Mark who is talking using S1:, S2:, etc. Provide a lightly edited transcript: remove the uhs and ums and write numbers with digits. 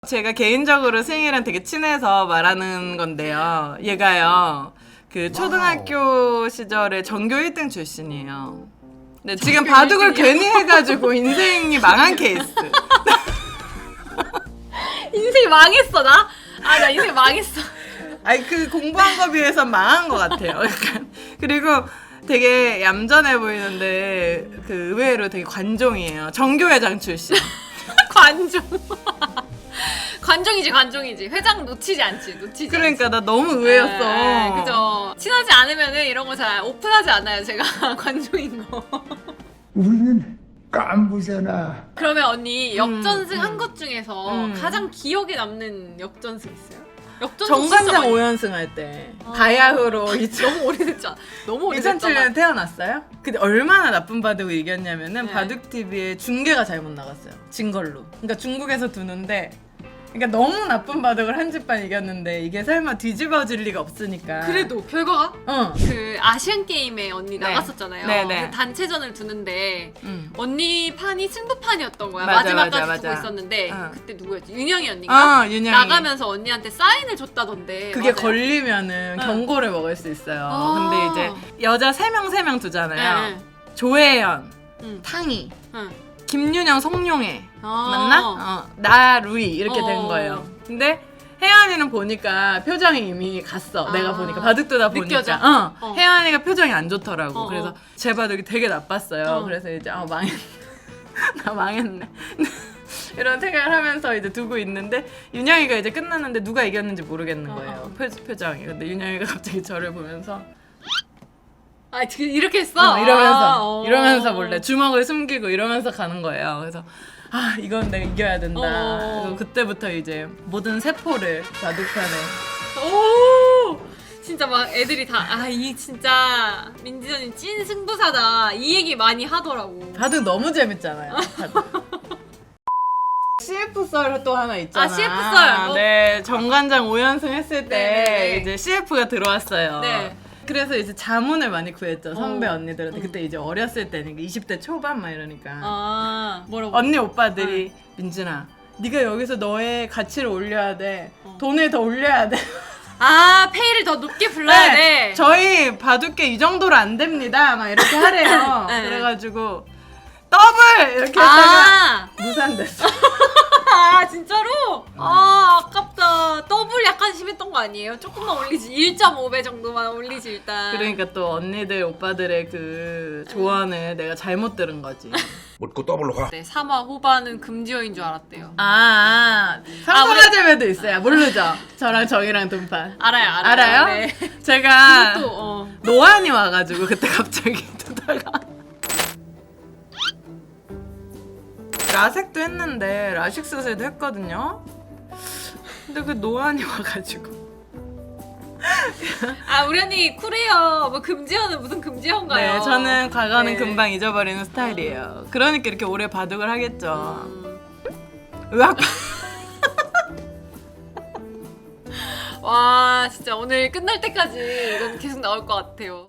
S1: 제가 개인적으로 승희랑 되게 친해서 말하는 건데요. 얘가요, 그 초등학교 시절에 전교 1등 출신이에요. 근데 지금 바둑을 괜히 해가지고 인생이 망한 케이스.
S2: 인생이 망했어 나? 아 나 인생 망했어.
S1: 아니 그 공부한 거 비해서 망한 것 같아요. 약간. 그리고 되게 얌전해 보이는데 그 의외로 되게 관종이에요. 정교회장 출신.
S2: 관종. 관종이지. 회장 놓치지 않지.
S1: 그러니까 나 너무 의외였어.
S2: 네, 그죠. 친하지 않으면은 이런 거 잘 오픈하지 않아요. 제가 관종인 거.
S3: 우리는 깐부잖아.
S2: 그러면 언니 역전승 한 것 중에서
S1: 음.
S2: 가장 기억에 남는 역전승 있어요? 역전승
S1: 정관장
S2: 진짜 많이-
S1: 5연승 할 때 바야흐로
S2: 너무 오래됐잖아. 너무 오래됐잖아.
S1: 2007년에 태어났어요? 근데 얼마나 나쁜 바둑을 이겼냐면은
S2: 네.
S1: 바둑TV에 중계가 잘못 나갔어요. 진 걸로. 그러니까 중국에서 두는데 그러니까 너무 나쁜 바둑을 한 집만 이겼는데 이게 설마 뒤집어질 리가 없으니까.
S2: 그래도 결과가 그 아시안 게임에 언니
S1: 네.
S2: 나갔었잖아요.
S1: 네네.
S2: 그 단체전을 두는데
S1: 응.
S2: 언니 판이 승부판이었던 거야.
S1: 맞아,
S2: 마지막까지
S1: 맞아,
S2: 두고
S1: 맞아.
S2: 있었는데
S1: 어.
S2: 그때 누구였지? 윤영이 언니가
S1: 윤영이.
S2: 나가면서 언니한테 사인을 줬다던데.
S1: 그게
S2: 맞아요?
S1: 걸리면은
S2: 응.
S1: 경고를 먹을 수 있어요.
S2: 아.
S1: 근데 이제 여자 3명 두잖아요.
S2: 네.
S1: 조혜연,
S2: 응.
S1: 탕희,
S2: 응.
S1: 김윤영, 송룡혜
S2: 아.
S1: 맞나? 나 루이 이렇게 된
S2: 어.
S1: 거예요. 근데 혜연이는 보니까 표정이 이미 갔어.
S2: 아.
S1: 내가 보니까 바둑 두다 보니까
S2: 느껴져?
S1: 혜연이가 표정이 안 좋더라고.
S2: 어,
S1: 그래서
S2: 어.
S1: 제 바둑이 되게 나빴어요.
S2: 어.
S1: 그래서 이제 망했네. 나 망했네. 이런 생각을 하면서 이제 두고 있는데 윤영이가 이제 끝났는데 누가 이겼는지 모르겠는 거예요. 표정이. 근데 윤영이가 갑자기 저를 보면서
S2: 아, 이렇게 했어?
S1: 이러면서 몰래 주먹을 숨기고 이러면서 가는 거예요. 그래서 이건 내가 이겨야 된다. 그래서 그때부터 이제 모든 세포를 바둑판에.
S2: 오! 진짜 막 애들이 다 이 진짜 민지언니 찐 승부사다 이 얘기 많이 하더라고.
S1: 바둑 너무 재밌잖아요. CF 썰 또 하나 있잖아.
S2: CF 썰.
S1: 네, 정관장 5연승 했을 때
S2: 네네네.
S1: 이제 CF가 들어왔어요.
S2: 네.
S1: 그래서 이제 자문을 많이 구했죠. 선배
S2: 어.
S1: 언니들한테. 그때 이제 어렸을 때니까 20대 초반 막 이러니까.
S2: 뭐라고?
S1: 언니 오빠들이 민준아, 네가 여기서 너의 가치를 올려야 돼. 돈을 더 올려야 돼.
S2: 페이를 더 높게 불러야 돼.
S1: 저희 바둑계 이 정도로 안 됩니다. 막 이렇게 하래요.
S2: 네.
S1: 그래가지고 더블 이렇게 했다가 무산됐어.
S2: 진짜로? 아깝다. 더블 약간 심했던 거 아니에요? 조금만 올리지. 1.5배 정도만 올리지 일단.
S1: 그러니까 또 언니들 오빠들의 그 조언을 내가 잘못 들은 거지.
S3: 묻고 더블로 가.
S2: 네, 3화 후반은 금지어인 줄 알았대요.
S1: 삼성화재배도 있어요. 모르죠? 저랑 정이랑 돈판.
S2: 알아요? 네.
S1: 제가
S2: 또
S1: 노안이 와가지고 그때 갑자기 두다가 라섹도 했는데 라식 수술도 했거든요. 근데 그 노안이 와가지고.
S2: 우리 언니 쿨해요. 뭐 금지어는 무슨 금지어인가요?
S1: 네, 저는 과거는
S2: 네.
S1: 금방 잊어버리는 스타일이에요. 그러니까 이렇게 오래 바둑을 하겠죠. 의학.
S2: 와 진짜 오늘 끝날 때까지 이건 계속 나올 것 같아요.